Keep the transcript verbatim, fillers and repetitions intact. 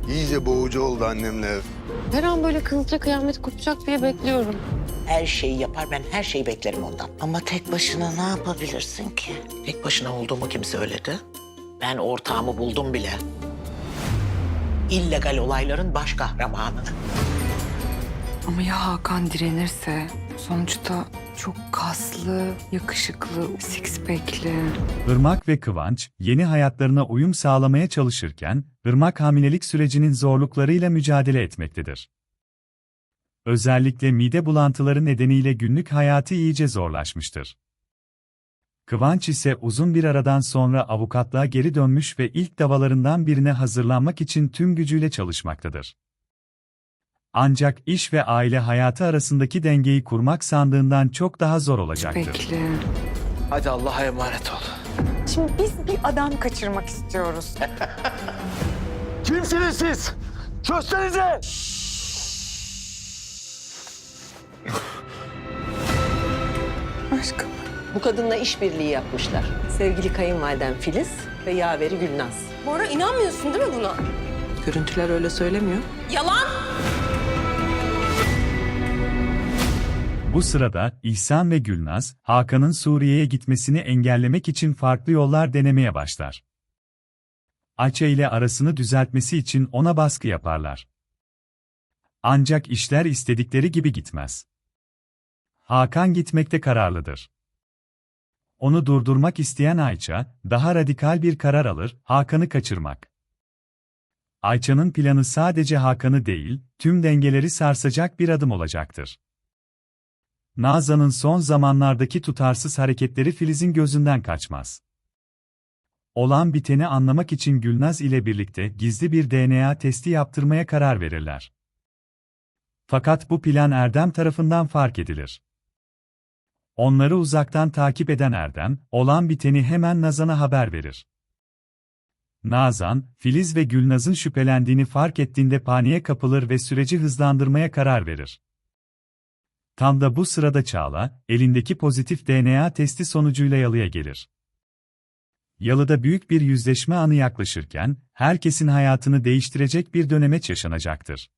İyice boğucu oldu annemle ev. Her an böyle kızılca kıyamet kopacak diye bekliyorum. Her şeyi yapar, ben her şeyi beklerim ondan. Ama tek başına ne yapabilirsin ki? Tek başına olduğumu kim söyledi? Ben ortağımı buldum bile. İllegal olayların baş kahramanı. Ama ya Hakan direnirse? Sonuçta çok kaslı, yakışıklı, six pack'li. Irmak ve Kıvanç, yeni hayatlarına uyum sağlamaya çalışırken, Irmak hamilelik sürecinin zorluklarıyla mücadele etmektedir. Özellikle mide bulantıları nedeniyle günlük hayatı iyice zorlaşmıştır. Kıvanç ise uzun bir aradan sonra avukatlığa geri dönmüş ve ilk davalarından birine hazırlanmak için tüm gücüyle çalışmaktadır. Ancak iş ve aile hayatı arasındaki dengeyi kurmak sandığından çok daha zor olacaktır. Bekle. Hadi Allah'a emanet ol. Şimdi biz bir adam kaçırmak istiyoruz. Kimsiniz siz? Çözsenize! Aşkım. Bu kadınla işbirliği yapmışlar. Sevgili kayınvaliden Filiz ve yaveri Gülnaz. Bora inanmıyorsun değil mi buna? Görüntüler öyle söylemiyor. Yalan! Bu sırada İhsan ve Gülnaz, Hakan'ın Suriye'ye gitmesini engellemek için farklı yollar denemeye başlar. Ayça ile arasını düzeltmesi için ona baskı yaparlar. Ancak işler istedikleri gibi gitmez. Hakan gitmekte kararlıdır. Onu durdurmak isteyen Ayça, daha radikal bir karar alır, Hakan'ı kaçırmak. Ayça'nın planı sadece Hakan'ı değil, tüm dengeleri sarsacak bir adım olacaktır. Nazan'ın son zamanlardaki tutarsız hareketleri Filiz'in gözünden kaçmaz. Olan biteni anlamak için Gülnaz ile birlikte gizli bir D N A testi yaptırmaya karar verirler. Fakat bu plan Erdem tarafından fark edilir. Onları uzaktan takip eden Erdem, olan biteni hemen Nazan'a haber verir. Nazan, Filiz ve Gülnaz'ın şüphelendiğini fark ettiğinde paniğe kapılır ve süreci hızlandırmaya karar verir. Tam da bu sırada Çağla, elindeki pozitif D N A testi sonucuyla yalıya gelir. Yalıda büyük bir yüzleşme anı yaklaşırken, herkesin hayatını değiştirecek bir dönemeç yaşanacaktır.